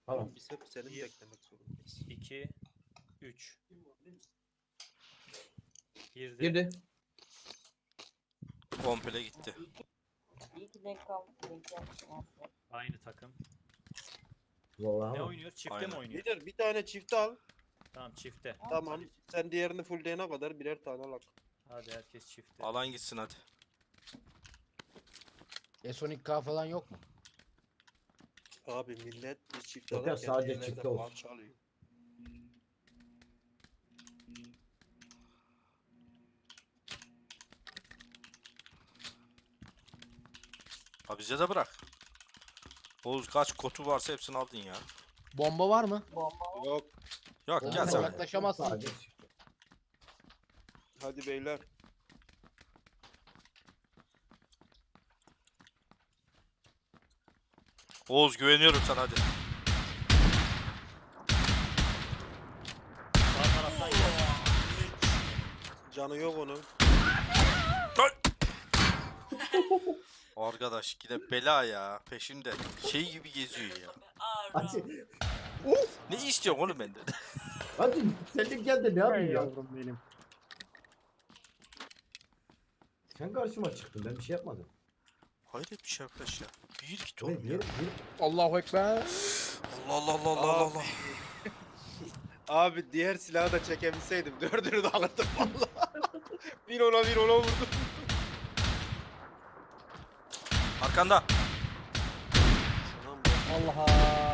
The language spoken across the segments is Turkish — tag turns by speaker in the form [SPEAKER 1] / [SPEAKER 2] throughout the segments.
[SPEAKER 1] Tamam.
[SPEAKER 2] Biz hep seni beklemek zorundayız.
[SPEAKER 3] 2 3 Girdi.
[SPEAKER 1] Girdi.
[SPEAKER 4] Komple gitti.
[SPEAKER 5] İyi ki denk kaldık. Denk yapmışım aslında.
[SPEAKER 3] Aynı takım.
[SPEAKER 1] Vallahi
[SPEAKER 3] Ne
[SPEAKER 1] ama.
[SPEAKER 3] oynuyoruz? Çifte
[SPEAKER 4] Aynen.
[SPEAKER 3] mi oynuyoruz?
[SPEAKER 2] Lider bir tane çift al.
[SPEAKER 3] Tamam çifte.
[SPEAKER 2] Tamam. Sen diğerini fullleyene kadar birer tane al.
[SPEAKER 3] Hadi herkes çifte.
[SPEAKER 4] Alan gitsin hadi.
[SPEAKER 6] Sonic K falan yok mu?
[SPEAKER 2] Abi millet bir çift
[SPEAKER 1] Yok ya,
[SPEAKER 2] alırken
[SPEAKER 1] sadece
[SPEAKER 2] diğerleri de
[SPEAKER 1] çifte olsun.
[SPEAKER 2] parça alıyor.
[SPEAKER 4] Ha bize de bırak. Oğuz kaç kotu varsa hepsini aldın ya.
[SPEAKER 6] Bomba var mı?
[SPEAKER 5] Bomba
[SPEAKER 2] Yok.
[SPEAKER 4] Yok
[SPEAKER 6] Bomba
[SPEAKER 4] gel sen.
[SPEAKER 6] yaklaşamazsın.
[SPEAKER 1] Sadece.
[SPEAKER 2] Hadi beyler.
[SPEAKER 4] Oğuz güveniyorum sana hadi.
[SPEAKER 3] Sağ taraftan gel.
[SPEAKER 2] Canı yok onun.
[SPEAKER 4] Arkadaş yine bela ya peşinde. Şey gibi geziyor ya.
[SPEAKER 1] Hadi.
[SPEAKER 4] Ne istiyorsun oğlum benden?
[SPEAKER 1] Hadi sen de gel de ne yapayım ya?
[SPEAKER 7] Yavrum benim.
[SPEAKER 1] Sen karşıma çıktın, ben bir şey yapmadım.
[SPEAKER 4] Hayret bir şey arkadaş ya. Bir git
[SPEAKER 1] Oğlum,
[SPEAKER 4] oğlum ya.
[SPEAKER 6] Allahu Ekber.
[SPEAKER 4] Allah Allah Allah Allah Allah.
[SPEAKER 2] Abi diğer silahı da çekebilseydim dördünü de alırdım valla. Bir ona vurdum.
[SPEAKER 4] Arkanda.
[SPEAKER 2] Tamam,
[SPEAKER 7] Allah'a.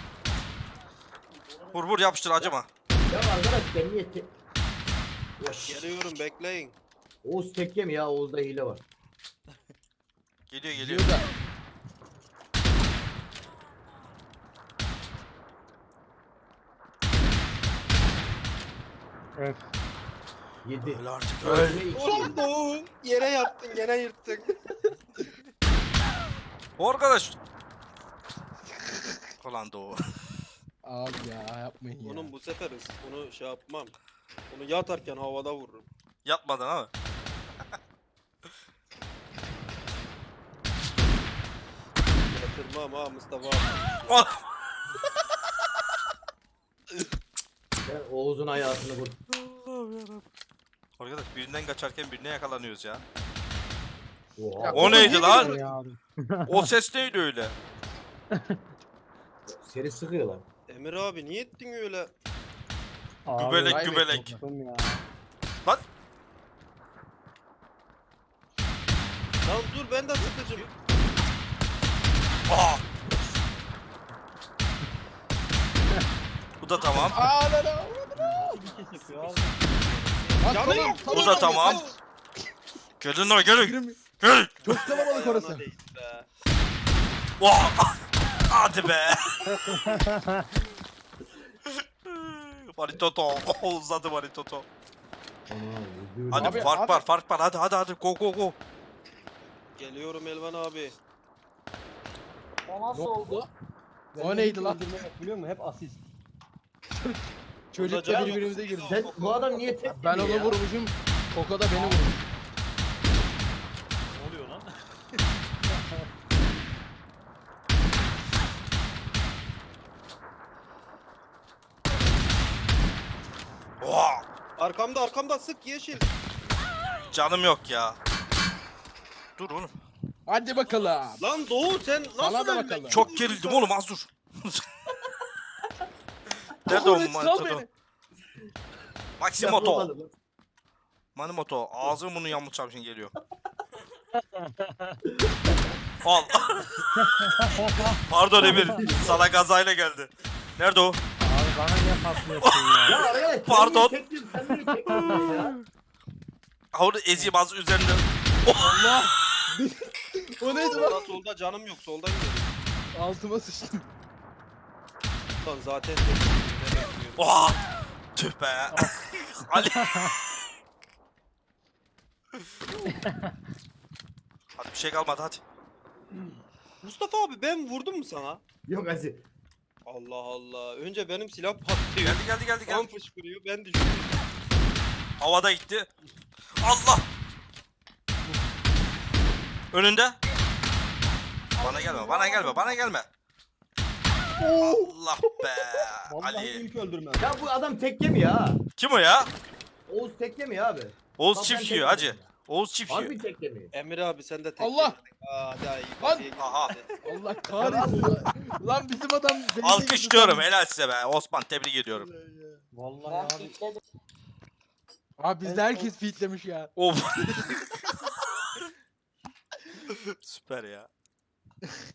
[SPEAKER 4] Vur yapıştır acıma.
[SPEAKER 1] Ya arkadaş ben niye tek... Yaş.
[SPEAKER 2] geliyorum bekleyin.
[SPEAKER 1] Oğuz tek yem ya, Oğuz'da hile var.
[SPEAKER 4] Geliyor.
[SPEAKER 6] Diyor da.
[SPEAKER 7] Evet.
[SPEAKER 1] 7.
[SPEAKER 4] Öl artık öl.
[SPEAKER 1] Öyle 2.
[SPEAKER 2] Oğlum Doğu yere yattın gene yırttın.
[SPEAKER 4] O arkadaş. Ulan Doğu.
[SPEAKER 6] Abi ya yapmayın ya.
[SPEAKER 2] Onun bu sefer bunu şey yapmam. Onu yatarken havada vururum.
[SPEAKER 4] Yapmadın ama.
[SPEAKER 2] Yatırmam ha Mustafa abi.
[SPEAKER 4] Oh!
[SPEAKER 1] Ben Oğuz'un hayatını vur.
[SPEAKER 4] Arkadaş birinden kaçarken birine yakalanıyoruz ya.
[SPEAKER 1] Oha.
[SPEAKER 4] O neydi lan?
[SPEAKER 7] Ya abi.
[SPEAKER 4] O ses neydi öyle?
[SPEAKER 1] Seni sıkıyorlar.
[SPEAKER 2] Emir abi niye ettin öyle?
[SPEAKER 7] Abi,
[SPEAKER 4] Gübelek
[SPEAKER 6] vay be,
[SPEAKER 4] gübelek.
[SPEAKER 7] yaptım ya.
[SPEAKER 4] Lan
[SPEAKER 2] Lan dur ben de sıkıcım.
[SPEAKER 4] aa. Bu da tamam.
[SPEAKER 6] Aa lan lan.
[SPEAKER 2] Canı yok.
[SPEAKER 4] Bu da tamam. Gelin lan gelin. Gelin.
[SPEAKER 6] Çok kalabalık orası.
[SPEAKER 2] Ayağına değdi be.
[SPEAKER 4] Oh! Hadi be. Maritoto. Uzadı Maritoto. Hadi
[SPEAKER 6] Abi,
[SPEAKER 4] fark
[SPEAKER 6] abi.
[SPEAKER 4] var. Hadi go.
[SPEAKER 2] Geliyorum Elvan abi.
[SPEAKER 5] O nasıl
[SPEAKER 6] Ne
[SPEAKER 5] oldu?
[SPEAKER 6] oldu? O neydi lan?
[SPEAKER 7] Biliyor musun? Hep asist.
[SPEAKER 6] Çocukla
[SPEAKER 2] canım.
[SPEAKER 6] birbirimize girdi.
[SPEAKER 1] Sen bu adam niye tek
[SPEAKER 6] Ben
[SPEAKER 1] yemiyor
[SPEAKER 6] onu
[SPEAKER 1] ya?
[SPEAKER 6] vurmuşum. Koko da beni vurmuş.
[SPEAKER 3] Ne oluyor lan?
[SPEAKER 4] Oh!
[SPEAKER 2] Arkamda sık yeşil.
[SPEAKER 4] Canım yok ya. Dur oğlum.
[SPEAKER 6] Hadi bakalım.
[SPEAKER 2] Lan Doğu sen
[SPEAKER 6] Sana
[SPEAKER 2] nasıl
[SPEAKER 6] da
[SPEAKER 2] ölmedin?
[SPEAKER 6] bakalım.
[SPEAKER 4] Çok gerildim oğlum az dur. Nerede o
[SPEAKER 6] Sal
[SPEAKER 4] Manitoto?
[SPEAKER 6] beni.
[SPEAKER 4] Maximoto.
[SPEAKER 1] Yapamadım lan.
[SPEAKER 4] Manimoto. Ağzım bunu yamulacağım şimdi geliyor. Al. Pardon Emir. Sana gazayla geldi. Nerede o?
[SPEAKER 7] Abi bana niye paslıyorsun ya?
[SPEAKER 1] Ya arkadaş sen
[SPEAKER 4] Pardon.
[SPEAKER 1] niye tek yiyorsun? Sen niye tek yiyorsun ya?
[SPEAKER 4] Ha onu ezeyim az üzerinde.
[SPEAKER 6] Allah. O neydi lan?
[SPEAKER 2] Solda canım yok soldan gel.
[SPEAKER 6] Altıma sıçtım.
[SPEAKER 2] Lan zaten
[SPEAKER 4] Oha! Tüh be. Ali. Hadi bir şey kalmadı hadi.
[SPEAKER 2] Mustafa abi ben vurdum mu sana?
[SPEAKER 1] Yok Aziz.
[SPEAKER 2] Allah Allah. Önce benim silah patlıyor.
[SPEAKER 4] Geldi.
[SPEAKER 2] Kan fışkırıyor ben düşüyorum.
[SPEAKER 4] Havada gitti. Allah! Önünde. Bana gelme. Allah be.
[SPEAKER 7] Vallahi
[SPEAKER 4] Ali.
[SPEAKER 7] ilk öldürmem.
[SPEAKER 1] Ya bu adam tek yemiyor ha.
[SPEAKER 4] Kim o ya?
[SPEAKER 1] Oğuz tek yemiyor abi.
[SPEAKER 4] Oğuz
[SPEAKER 1] Lan ben
[SPEAKER 4] çift
[SPEAKER 1] tek
[SPEAKER 4] yiyor hacı.
[SPEAKER 1] yemiyorum.
[SPEAKER 4] Oğuz çift yiyor.
[SPEAKER 1] Harbi tek yemiyor.
[SPEAKER 2] Emir abi sen de tek
[SPEAKER 6] Allah!
[SPEAKER 2] yedin. Aa daha iyi.
[SPEAKER 6] Lan!
[SPEAKER 2] Batıya
[SPEAKER 4] Aha.
[SPEAKER 2] gitti.
[SPEAKER 6] Allah kahretsin. Lan bizim adam beni
[SPEAKER 4] Alkışlıyorum helal size be. Osman tebrik ediyorum.
[SPEAKER 7] Vallahi
[SPEAKER 5] Ben
[SPEAKER 7] abi.
[SPEAKER 5] fitledim.
[SPEAKER 6] Abi bizde herkes fitlemiş ya.
[SPEAKER 4] Of. Süper ya.